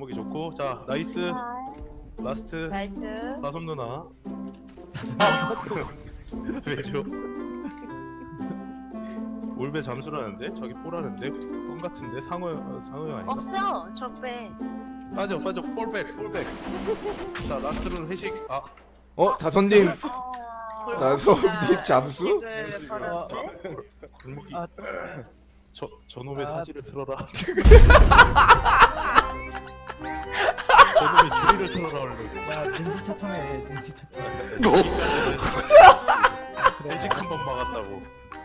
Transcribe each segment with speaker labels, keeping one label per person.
Speaker 1: 골목이 좋고. 자 나이스. 라스트.
Speaker 2: 나이스.
Speaker 1: 사솜 누나. 왜죠? 올배 잠수라는데? 저기 뽀라는데? 뻥 같은데? 상호 형 아닌가?
Speaker 2: 없어. 적배.
Speaker 1: 빠져 볼백. 자 라스트로 회식. 아
Speaker 3: 다선님
Speaker 2: 아,
Speaker 3: 나선님 잠수?
Speaker 2: 이걸 걸었는데?
Speaker 1: 골목이.
Speaker 4: 아.
Speaker 1: 저놈의
Speaker 4: 아.
Speaker 1: 사지를 틀어라. 저놈의 주리를 틀어라 얼른.
Speaker 4: 야 눈치 차청해 눈치 차청.
Speaker 1: 회식 한 번 막았다고.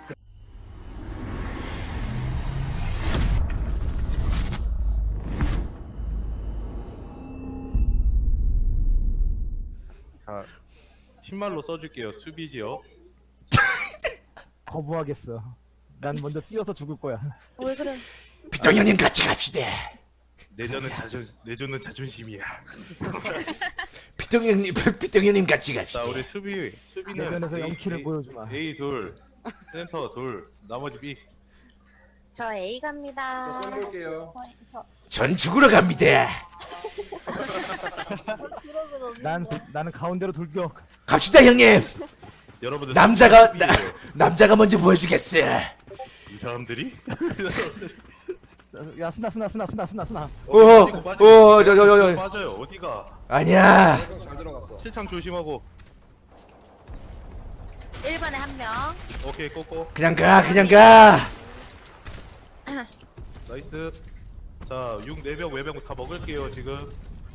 Speaker 1: 자 팀말로 써줄게요. 수비지요.
Speaker 4: 거부하겠어. 난 먼저 뛰어서 죽을 거야.
Speaker 2: 왜 그래?
Speaker 3: 비통 형님 같이 갑시다.
Speaker 1: 내조는 자존심이야.
Speaker 3: 비통 형님 같이 갑시다.
Speaker 1: 자 우리 수비는
Speaker 4: 내전에서 0킬을 보여주마.
Speaker 1: A 둘, 센터 둘, 나머지 B.
Speaker 2: 저 A 갑니다.
Speaker 5: 볼게요.
Speaker 3: 전 죽으러 갑니다.
Speaker 4: 나는 가운데로 돌격.
Speaker 3: 갑시다 형님.
Speaker 1: 여러분들
Speaker 3: 남자가
Speaker 1: 수비예요.
Speaker 3: 남자가 먼저 보여주겠어.
Speaker 1: 이 사람들이
Speaker 4: 야 스나.
Speaker 3: 저저저저
Speaker 1: 빠져요. 어디가?
Speaker 3: 아니야.
Speaker 5: 잘 들어갔어.
Speaker 1: 실창 조심하고.
Speaker 2: 1번에 한 명.
Speaker 1: 오케이 꼬꼬.
Speaker 3: 그냥 가.
Speaker 1: 나이스. 자 6, 내벽 외벽 다 먹을게요 지금.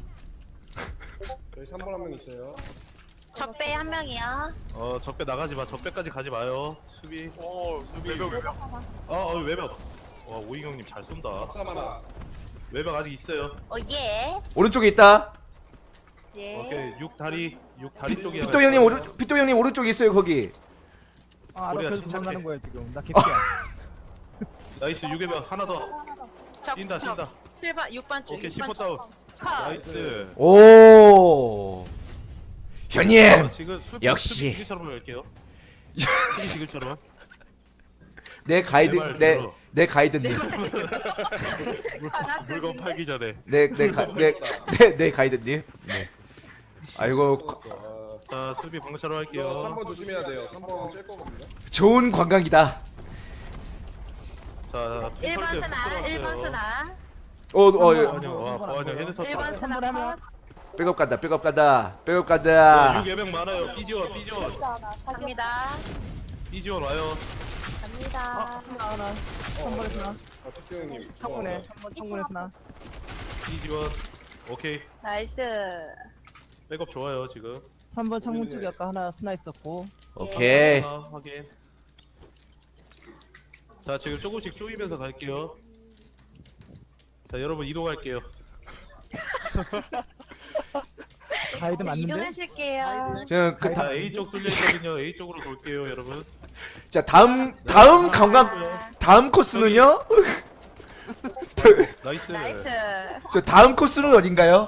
Speaker 5: 저희 3번 한 명 있어요.
Speaker 2: 적배 한 명이요.
Speaker 1: 적배 나가지 마. 적배까지 가지 마요. 수비. 수비. 외벽. 외벽. 와 오이경님 잘 쏜다.
Speaker 5: 박사 하나.
Speaker 1: 외벽 아직 있어요.
Speaker 2: 예.
Speaker 3: 오른쪽에 있다.
Speaker 2: 예.
Speaker 1: 오케이 6 다리 쪽이야.
Speaker 3: 비통 형님 오른쪽에 있어요 거기.
Speaker 4: 아
Speaker 1: 우리가
Speaker 4: 알아서
Speaker 1: 침착해.
Speaker 4: 도망가는 거야 지금. 나 개피야.
Speaker 1: 나이스 6외벽 하나 더. 뛴다.
Speaker 2: 7번, 6번 쪽.
Speaker 1: 오케이
Speaker 2: 6번
Speaker 1: 10호 다운.
Speaker 2: 컷.
Speaker 1: 나이스.
Speaker 3: 오. 형님
Speaker 1: 지금
Speaker 3: 역시.
Speaker 1: 수비 지글처럼 할게요. 수비 지글처럼.
Speaker 3: 내 가이드
Speaker 1: 말
Speaker 3: 내
Speaker 1: 들어.
Speaker 3: 내 가이드님.
Speaker 1: 물건 팔기 전에.
Speaker 3: 내 가이드님. 네. 아이고
Speaker 1: 자 수비 방처럼 할게요.
Speaker 5: 3번 조심해야 돼요. 3번 찔 거거든요.
Speaker 3: 좋은 관광이다.
Speaker 1: 자
Speaker 2: 1번 스나, 1번 스나.
Speaker 1: 보안형 헤드 터치.
Speaker 2: 1번 스나 컷.
Speaker 3: 백업 간다. 백업 간다.
Speaker 1: 6외벽 많아요. 삐지원
Speaker 2: 갑니다.
Speaker 1: 와요.
Speaker 2: 갑니다.
Speaker 4: 하나. 3번에 스나.
Speaker 5: 특수 형님.
Speaker 4: 창문에 3번에 스나.
Speaker 1: 삐지원. 오케이.
Speaker 2: 나이스.
Speaker 1: 백업 좋아요 지금.
Speaker 4: 3번 창문 쪽에 아까 하나 스나 있었고.
Speaker 3: 오케이.
Speaker 1: 하나 확인. 자 지금 조금씩 쪼이면서 갈게요. 자 여러분 이동할게요.
Speaker 4: 가이드 맞는데?
Speaker 2: 이동하실게요.
Speaker 1: 자 A 쪽 뚫려 있거든요. A 쪽으로 돌게요 여러분.
Speaker 3: 자 다음 관광 다음 코스는요?
Speaker 1: 나이스.
Speaker 2: 나이스.
Speaker 3: 저 다음 코스는 어딘가요?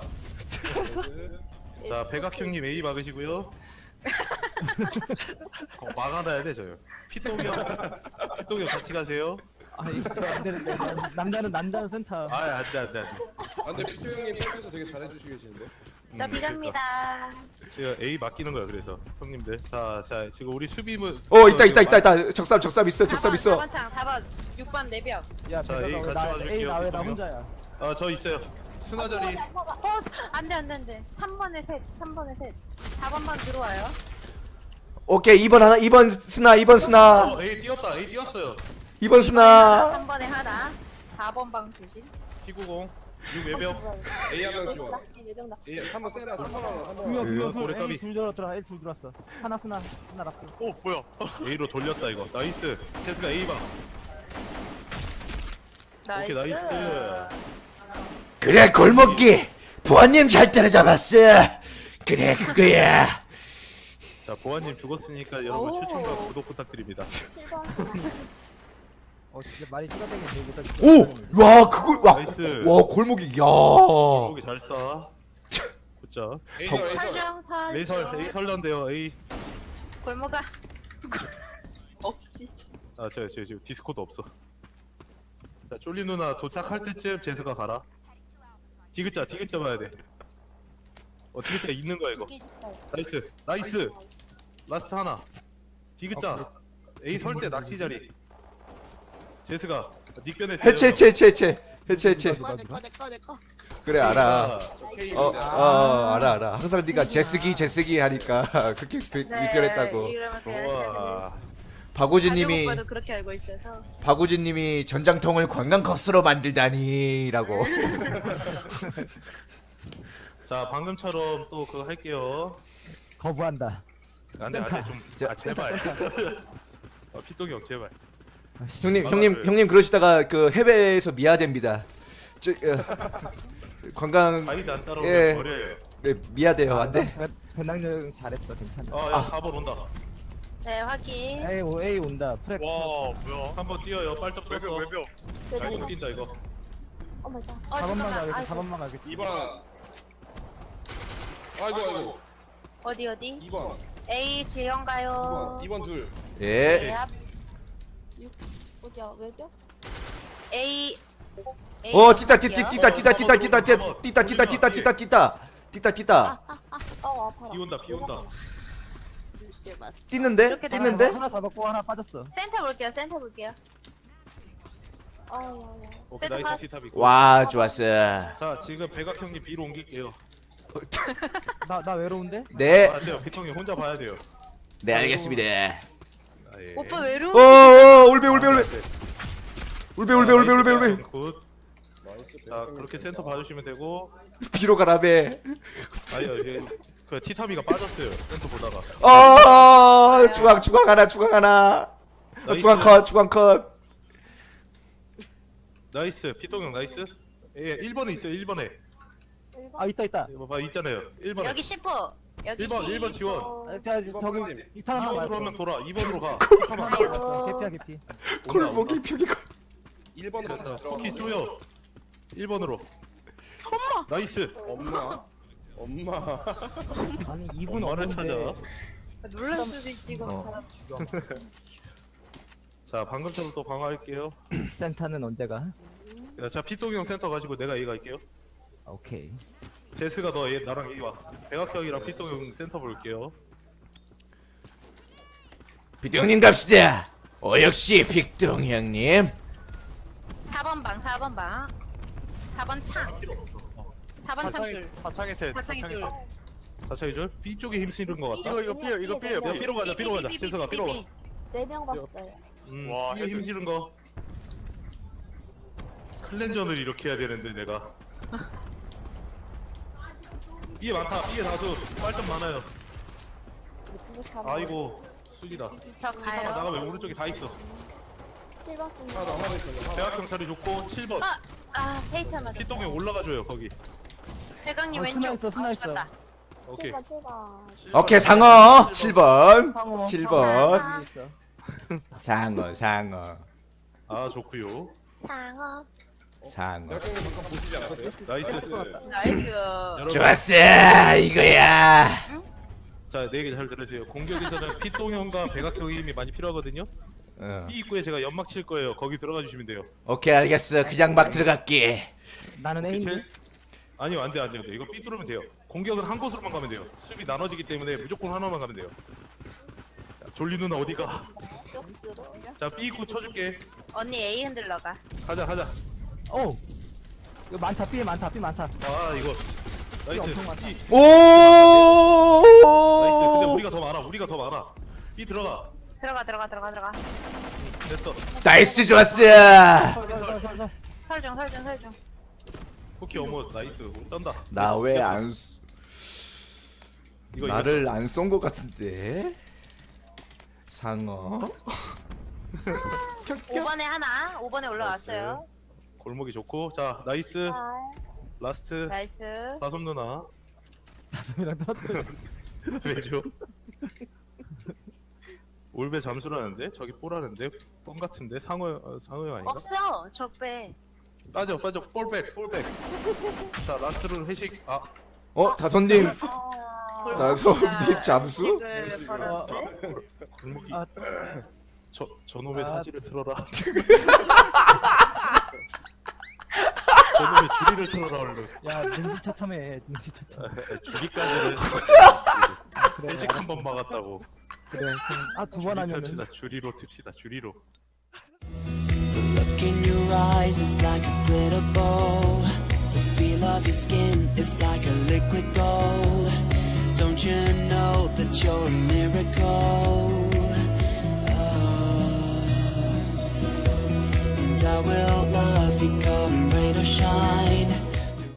Speaker 1: 자 백악형님 A 막으시고요. 막아놔야 돼 저요. 피똥형 같이 가세요.
Speaker 4: 아 이거 안 되는데. 남자는 센터.
Speaker 1: 안돼.
Speaker 5: 아 근데 특수 형님 평소에 되게 잘해주시 계시는데.
Speaker 2: 저 B 갑니다.
Speaker 1: 제가 A 맡기는 거야 그래서 형님들. 자 지금 우리 수비문.
Speaker 3: 있다. 적삼 있어.
Speaker 2: 4번 창, 4번, 6번 내벽.
Speaker 4: 야
Speaker 1: 자,
Speaker 4: 내가
Speaker 1: A 같이
Speaker 4: 나
Speaker 1: 와줄게요,
Speaker 4: A 나왜 나
Speaker 1: 비통령.
Speaker 4: 혼자야?
Speaker 1: 저 있어요. 스나 자리.
Speaker 2: 안돼. 3번에 셋. 4번만 들어와요.
Speaker 3: 오케이 2번 스나.
Speaker 1: A 뛰었다. A 뛰었어요.
Speaker 3: 2번 스나.
Speaker 2: 3번에 하나. 4번 방 조심.
Speaker 1: T90 6 외벽.
Speaker 5: A 한명 지원. A 3번 세라 3번 하나. 3번.
Speaker 1: 고래까비.
Speaker 4: A 둘 들어왔더라. A 둘 들어왔어. 하나 스나 하나 라프.
Speaker 1: 뭐야? A로 돌렸다 이거. 나이스. 체스가 A 방. 오케이 나이스.
Speaker 3: 그래 골목기 보안님 잘 때려잡았어. 그래 그거야.
Speaker 1: 자 보아님 죽었으니까 여러분
Speaker 2: 오.
Speaker 1: 추천과 구독 부탁드립니다.
Speaker 4: 진짜 말이 시가되겠네. 일단
Speaker 3: 오와 그걸
Speaker 1: 나이스.
Speaker 3: 와 골목이 야.
Speaker 1: 여기 잘 쏴. 굿자.
Speaker 5: A
Speaker 2: 설정.
Speaker 1: A 설런데요. A.
Speaker 2: 골목아. 없지.
Speaker 1: 저 지금 디스코도 없어. 자 쫄리 누나 도착할 때쯤 제스가 가라. 디귿자 봐야 돼. 디귿자 있는 거야 이거. 나이스. 라스트 하나. 디귿자. A 설 때 낚시 자리. 제스가 닉변에
Speaker 3: 해체. 그래 알아. 알아. 항상 네가 제스기 하니까 그렇게 입결했다고.
Speaker 1: 와.
Speaker 3: 박우진님이
Speaker 2: 오빠도 그렇게 알고 있어서.
Speaker 3: 박우진님이 전장통을 관광 코스로 만들다니라고.
Speaker 1: 자 방금처럼 또 그거 할게요.
Speaker 4: 거부한다.
Speaker 1: 안돼 좀. 제발. 피똥이 형 제발.
Speaker 3: 형님 그러시다가 그 해외에서 미아됩니다. 관광
Speaker 1: 가이드 안 따라오면
Speaker 3: 예.
Speaker 1: 버려요.
Speaker 3: 네, 미아돼요 안돼.
Speaker 4: 배낭여행 잘했어. 괜찮아.
Speaker 1: 야 4번 온다.
Speaker 2: 네, 확인.
Speaker 4: A 온다. 프렉.
Speaker 1: 와 뭐야? 3번 뛰어요. 빨짝 떴어. 아이고 뛴다 이거.
Speaker 2: 어,
Speaker 4: 4번만
Speaker 2: 잠깐만.
Speaker 4: 가겠지.
Speaker 2: 아이고.
Speaker 4: 4번만 가겠지.
Speaker 5: 2번. 아이고.
Speaker 2: 어디?
Speaker 5: 2번.
Speaker 2: A 지형 가요.
Speaker 5: 2번 둘.
Speaker 3: 예.
Speaker 2: 네, 앞.
Speaker 6: 어디야 외벽?
Speaker 2: A.
Speaker 3: 뛰다.
Speaker 6: 아파라.
Speaker 1: 비 온다.
Speaker 3: 뛰는데?
Speaker 2: 이렇게
Speaker 4: 하나 잡았고 하나 빠졌어.
Speaker 2: 센터 볼게요.
Speaker 6: 아야야.
Speaker 1: 오케이
Speaker 2: 세트
Speaker 1: 나이스 티탑 있고.
Speaker 3: 와 좋았어.
Speaker 1: 자 지금 백악 형님 B로 옮길게요.
Speaker 4: 나 외로운데?
Speaker 3: 네.
Speaker 1: 안 돼요. 피통이 혼자 봐야 돼요.
Speaker 3: 네 알겠습니다.
Speaker 1: 아, 예.
Speaker 2: 오빠 외로워.
Speaker 3: 울베.
Speaker 1: 굿.
Speaker 5: 나이스.
Speaker 1: 자 그렇게 센터 봐주시면 되고.
Speaker 3: 비로 가라베.
Speaker 1: 아니요 이게 그 티타미가 빠졌어요. 센터 보다가.
Speaker 3: 중앙 하나.
Speaker 1: 나이스.
Speaker 3: 중앙 컷.
Speaker 1: 나이스. 피통 형 나이스. 예 1번에 있어요. 1번에.
Speaker 4: 있다.
Speaker 1: 이거 봐 있잖아요. 1번에.
Speaker 2: 여기 10호. 여기
Speaker 1: 1번 지원.
Speaker 4: 자 저기 이탄 하나
Speaker 1: 2번으로 한명 돌아. 2번으로 가.
Speaker 4: 개피야 개피.
Speaker 3: 골목이 벽이고.
Speaker 5: 1번으로
Speaker 1: 터키 쪼여. 1번으로. 나이스.
Speaker 5: 엄마.
Speaker 4: 아니 2분
Speaker 1: 엄마를 찾아.
Speaker 2: 놀랄 수도 있지 이거.
Speaker 1: 자 방금처럼 또 강화할게요.
Speaker 4: 센터는 언제가?
Speaker 1: 자 피똥이 형 센터 가지고 내가 A 갈게요.
Speaker 4: 오케이.
Speaker 1: 제스가 너 얘 나랑 A 와. 백악 형이랑 피똥이 형 센터 볼게요.
Speaker 3: 비동님 갑시다. 역시 빅동 형님.
Speaker 2: 4번 방. 4번 창. 4번 창 줄.
Speaker 7: 사창의 셋.
Speaker 2: 사창이 둘.
Speaker 1: 사차이 줄. B 쪽에 힘 쓰는 것 같다.
Speaker 7: 이거 삐요.
Speaker 1: 야 B로 가자. 제스가 B로 가.
Speaker 6: 4명 봤어요.
Speaker 7: 와,
Speaker 1: B에 힘 실은 거. 클렌전을 이렇게 해야 되는데 내가. B에 많다. B에 다수. 빨점 많아요. 아이고 수기다.
Speaker 2: 저
Speaker 1: 잠깐
Speaker 2: 가요.
Speaker 1: 나가면 오른쪽에 다 있어.
Speaker 6: 7번 쓰는
Speaker 5: 하나 더 있어.
Speaker 1: 백악 형 자리 좋고 7번.
Speaker 2: 페이트 맞아.
Speaker 1: 피똥이 올라가줘요 거기.
Speaker 2: 회강님
Speaker 4: 스나
Speaker 2: 왼쪽.
Speaker 4: 있어, 스나 있어.
Speaker 2: 죽었다.
Speaker 1: 오케이.
Speaker 6: 7번.
Speaker 3: 오케이 상어 7번.
Speaker 4: 상어.
Speaker 3: 7번.
Speaker 4: 있어.
Speaker 3: 상어.
Speaker 1: 아 좋구요.
Speaker 2: 상어.
Speaker 3: 상어.
Speaker 5: 역경님 잠깐 보시지 않았어요?
Speaker 1: 나이스.
Speaker 2: 나이스.
Speaker 1: 여러분,
Speaker 3: 좋았어 이거야.
Speaker 1: 자, 내 얘기 잘 들으세요. 공격에서는 피똥형과 백악형의 힘이 많이 필요하거든요. B 입구에 제가 연막 칠 거예요. 거기 들어가 주시면 돼요.
Speaker 3: 오케이 알겠어. 그냥 막 들어갈게.
Speaker 4: 나는 A인데.
Speaker 1: 아니요, 안 돼. 이거 B 뚫으면 돼요. 공격은 한 곳으로만 가면 돼요. 수비 나눠지기 때문에 무조건 하나만 가면 돼요. 자, 졸리 누나 어디가?
Speaker 6: 역수로.
Speaker 1: 자, B 입구 쳐줄게.
Speaker 2: 언니 A 흔들러 가.
Speaker 1: 가자.
Speaker 4: 오. 이거 많다. B 많다.
Speaker 1: 아, 이거 나이스.
Speaker 4: 엄청 많다.
Speaker 1: B
Speaker 3: 오.
Speaker 1: 나이스. 근데 우리가 더 많아. B 들어가.
Speaker 2: 들어가.
Speaker 1: 됐어.
Speaker 3: 나이스 좋았어.
Speaker 4: 설.
Speaker 2: 설중.
Speaker 1: 쿠키 어머 나이스. 오, 쩐다.
Speaker 3: 나 왜 안
Speaker 1: 이거
Speaker 3: 나를 안 쏜 것 같은데. 상어.
Speaker 2: 5번에 하나. 5번에 올라왔어요.
Speaker 1: 골목이 좋고. 자, 나이스. 라스트.
Speaker 2: 나이스.
Speaker 1: 사솜 누나.
Speaker 4: 이랑 떨어뜨려.
Speaker 1: 왜죠? 올베 잠수라는데? 저기 뽀라는데? 뻥 같은데? 상어 아닌가?
Speaker 2: 없어. 적배.
Speaker 1: 빠져 볼백 자 라스트로 회식
Speaker 3: 다솜님.
Speaker 2: 어,
Speaker 3: 나솜님 잠수?
Speaker 1: 골목이
Speaker 4: 아.
Speaker 1: 저놈의 사지를 틀어라 저놈의 주리를 틀어라 얼른.
Speaker 4: 야 능지처참해 능지처참.
Speaker 1: 주리까지는
Speaker 4: 그래
Speaker 1: 일찍 한 번 막았다고.
Speaker 4: 그래. 아두 번 하면은.
Speaker 1: 틉시다. 주리로 틉시다. 주리로.
Speaker 7: The look in your eyes is like a glitter ball. The feel of your skin is like a liquid gold. Don't you know that you're a miracle?